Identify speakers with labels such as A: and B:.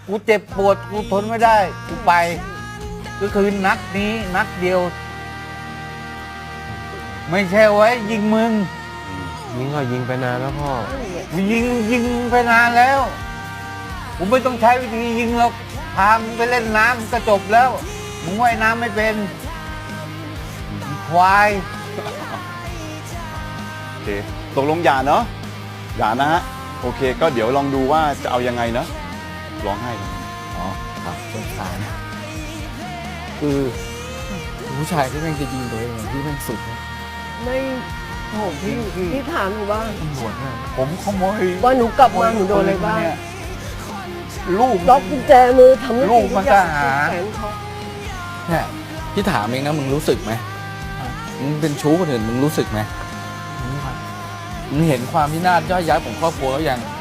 A: กูเจ็บปวดกูทนไม่ได้กูไปก็คือนัดนี้นัดเดียว ไม่ใช่ไว้ยิงมึง
B: ยิงก็ยิงไปนานแล้วพ่อ
A: ยิงไปนานแล้วผมไม่ต้องใช้วิธียิงหรอกพามึงไปเล่นน้ำก็จบแล้วมึงว่ายน้ำไม่เป็นควาย
C: โอเคตกลงอย่าเนาะอย่านะฮะโอเคก็เดี๋ยวลองดูว่าจะเอายังไงเนาะร้องไห้กัน
A: อ๋อครับสงสาร
D: คือผู้ชายที่แม่งจะยิงตัวเองที่แม่งสุดนะ
E: ไม่โหพี่ถามหนูว่า
D: ตำรวจเนี่ย
A: ผมขโมย
E: ว่าหนูกลับมาหนูโดนอะไรบ้าง
A: เนี่ยลูก
E: ล็อกกุญแจมือทำ
A: ลูกมันก็หา
E: แขนเขา
D: เนี่ยพี่ถามเองนะมึงรู้สึกไหมมึงเป็นชู้คนอื่นมึงรู้สึกไหมมึงเห็นความพินาศย่อยยับของครอบครัวแล้วยัง